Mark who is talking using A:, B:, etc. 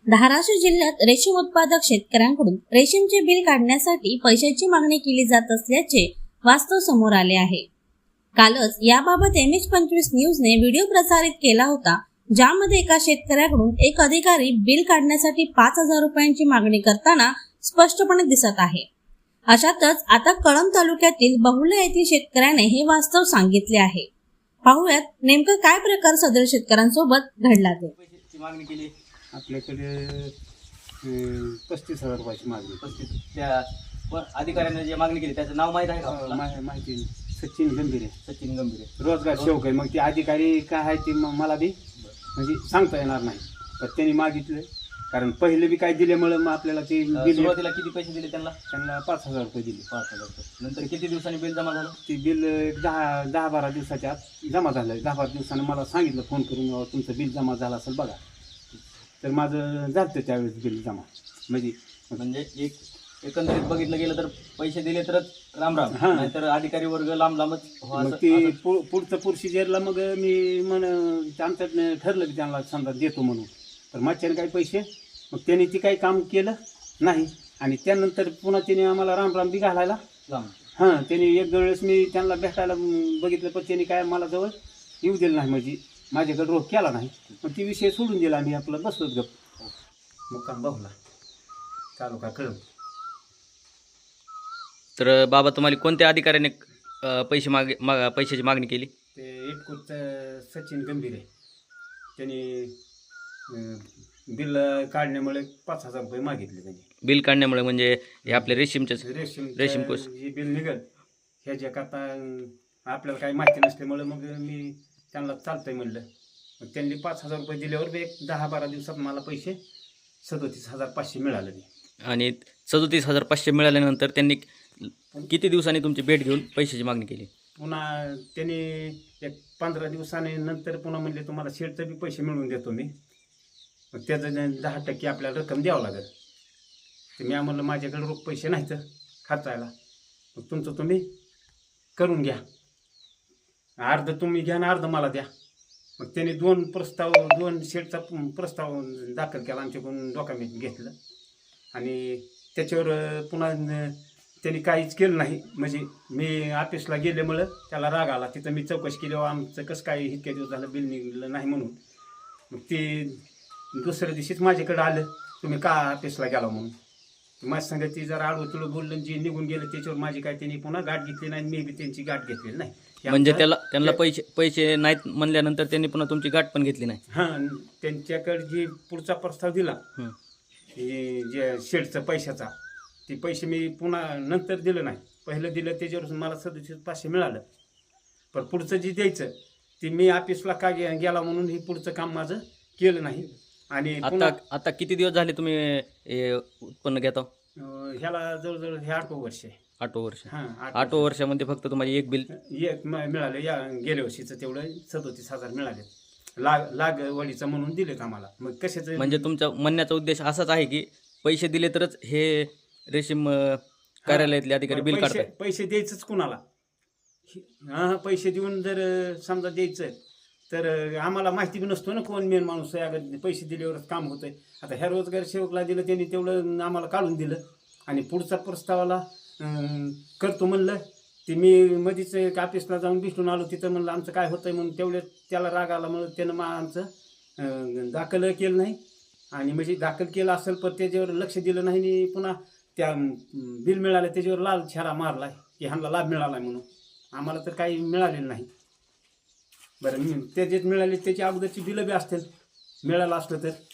A: धाराशिव जिल्ह्यात रेशीम उत्पादक शेतकऱ्यांकडून रेशीमचे बिल काढण्यासाठी पैशाची मागणी केली जात असल्याचे वास्तव समोर आले आहे। कालच याबाबत MH25 न्यूजने व्हिडिओ प्रसारित केला होता, ज्यामध्ये एका शेतकऱ्याकडून एक अधिकारी बिल काढण्यासाठी 5,000 रुपयांची मागणी करताना स्पष्टपणे दिसत आहे। अशातच आता कळंब तालुक्यातील बहुल्य येथील शेतकऱ्याने हे वास्तव सांगितले आहे। पाहूयात नेमकं काय प्रकार सदर शेतकऱ्यांसोबत घडला ते।
B: मागणी केली
C: आपल्याकडे 35,000 रुपयाची मागणी।
B: 35 त्या अधिकाऱ्याने जे मागणी केली त्याचं नाव माहीत आहे का आपल्याला?
C: माहिती सचिन गंभीर
B: सचिन गंभीर
C: रोजगार सेवक आहे। मग ते अधिकारी काय आहे ते मला बी म्हणजे सांगता येणार नाही, पण त्यांनी मागितलं कारण पहिले बी काय दिल्यामुळे मग आपल्याला ते
B: सुरुवातीला किती पैसे दिले त्यांना?
C: 5,000 रुपये दिले।
B: 5,000 रुपये नंतर किती दिवसांनी बिल जमा झालं?
C: ते बिल 10-12 दिवसाच्या आत जमा झालं। 10-12 दिवसानं मला सांगितलं फोन करून, तुमचं बिल जमा झालं असेल बघा। तर माझं झालं त्यावेळेस बिल जमा।
B: म्हणजे एकंदरीत बघितलं गेलं तर पैसे दिले तरच राम राम, नाहीतर अधिकारी वर्ग लांब लांबच।
C: मग ते पुढचं प्रोसिजरला मग मी आमचं ठरलं की त्यांना समजा देतो म्हणून, तर माझ्याने काही पैसे मग त्यांनी ती काही काम केलं नाही। आणि त्यानंतर पुन्हा त्याने आम्हाला राम बी घालायला त्यांनी एक वेळेस मी त्यांना भेटायला बघितलं, पण त्यांनी काय मला जवळ येऊ दिलं नाही, म्हणजे माझ्याकडे रोख केला नाही। मग ती विषय सोडून दिला, आम्ही आपलं बसलोच गप। मुक्काम बहुला तालुका कळंब।
D: तर बाबा, तुम्हाला कोणत्या अधिकाऱ्याने पैशाची मागणी केली?
C: ते एकूच सचिन गंभीर आहे, त्यांनी बिल काढण्यामुळे 5,000 रुपये मागितले। त्यांनी
D: बिल काढण्यामुळे म्हणजे हे आपले रेशीम कोष
C: हे बिल निघल ह्याच्याकरता आपल्याला काही माहिती नसल्यामुळे मग मी त्यांना चालतंय म्हणलं। मग त्यांनी 5,000 रुपये दिल्यावर एक 10-12 दिवसात मला पैसे 37,500 मिळाले।
D: आणि 37,500 मिळाल्यानंतर त्यांनी किती दिवसांनी तुमची भेट घेऊन पैशाची मागणी केली?
C: पुन्हा त्यांनी एक 15 दिवसांनी नंतर पुन्हा म्हणले तुम्हाला शेडचं बी पैसे मिळवून देतो मी, मग त्याचं 10% आपल्याला रक्कम द्यावं लागेल। तर मी म्हणलं माझ्याकडे रोख पैसे नाहीत खर्चायला, मग तुमचं तुम्ही करून घ्या, अर्ध तुम्ही घ्या आणि अर्ध मला द्या। मग त्यांनी 2 शेडचा प्रस्ताव दाखल केला, आमच्याकडून डॉक्युमेंट घेतलं आणि त्याच्यावर पुन्हा त्यांनी काहीच केलं नाही। म्हणजे मी ऑफिसला गेल्यामुळं त्याला राग आला, तिथं मी चौकशी केली, आमचं कसं काय इतक्या दिवस झालं बिल निघलं नाही म्हणून। मग ते दुसऱ्या दिवशीच माझ्याकडे आलं, तुम्ही का ऑफिसला गेला म्हणून। माझ्या संग ती जरा आडवं बोललं, जे निघून गेलं त्याच्यावर माझी काय त्यांनी पुन्हा गाठ घेतली नाही, मी बी त्यांची गाठ घेतलेली नाही।
D: म्हणजे त्यांना पैसे नाहीत म्हणल्यानंतर त्यांनी पुन्हा तुमची गाठ पण घेतली नाही?
C: त्यांच्याकडे जे पुढचा प्रस्ताव दिला जे शेडचा पैशाचा, ते पैसे मी पुन्हा नंतर दिलं नाही, पहिलं दिलं त्याच्यावर मला 37,500 मिळालं। पण पुढचं जे द्यायचं ते मी ऑफिसला का गेला म्हणून हे पुढचं काम माझं केलं नाही। आणि
D: आता किती दिवस झाले तुम्ही उत्पन्न घेता?
C: ह्याला जवळजवळ हे 8 वर्ष आहे।
D: 8 वर्ष?
C: 8
D: वर्षामध्ये फक्त तुम्हाला एक बिल
C: मिळालं। या गेल्या वर्षीचं तेवढं 37,000 मिळाले, लागवडीचं म्हणून दिलेत आम्हाला। मग कशाचं
D: म्हणजे तुमचा म्हणण्याचा उद्देश असाच आहे की पैसे दिले तरच हे रेशीम कार्यालयातले अधिकारी बिल काढतात?
C: पैसे द्यायचंच कुणाला? पैसे देऊन जर समजा द्यायचं तर आम्हाला माहिती बी नसतो ना कोण मेन माणूस आहे, अगर पैसे दिल्यावरच काम होतंय। आता ह्या रोजगार सेवकला दिलं, त्यांनी तेवढं आम्हाला काढून दिलं आणि पुढचा प्रस्तावाला करतो म्हणलं। ते मी मध्येच ऑफिसला जाऊन भेटून आलो, तिथं म्हणलं आमचं काय होतंय म्हणून, तेवढे त्याला राग आला म्हणून त्यानं आमचं दाखल केलं नाही। आणि म्हणजे दाखल केलं असेल पण त्याच्यावर लक्ष दिलं नाही, आणि पुन्हा त्या बिल मिळालं त्याच्यावर लाल छारा मारला की ह्यांना लाभ मिळाला म्हणून। आम्हाला तर काही मिळालेलं नाही। बरं, ते जे मिळाले त्याची अगोदरची बिलं बी असतील, मिळालं असलं तर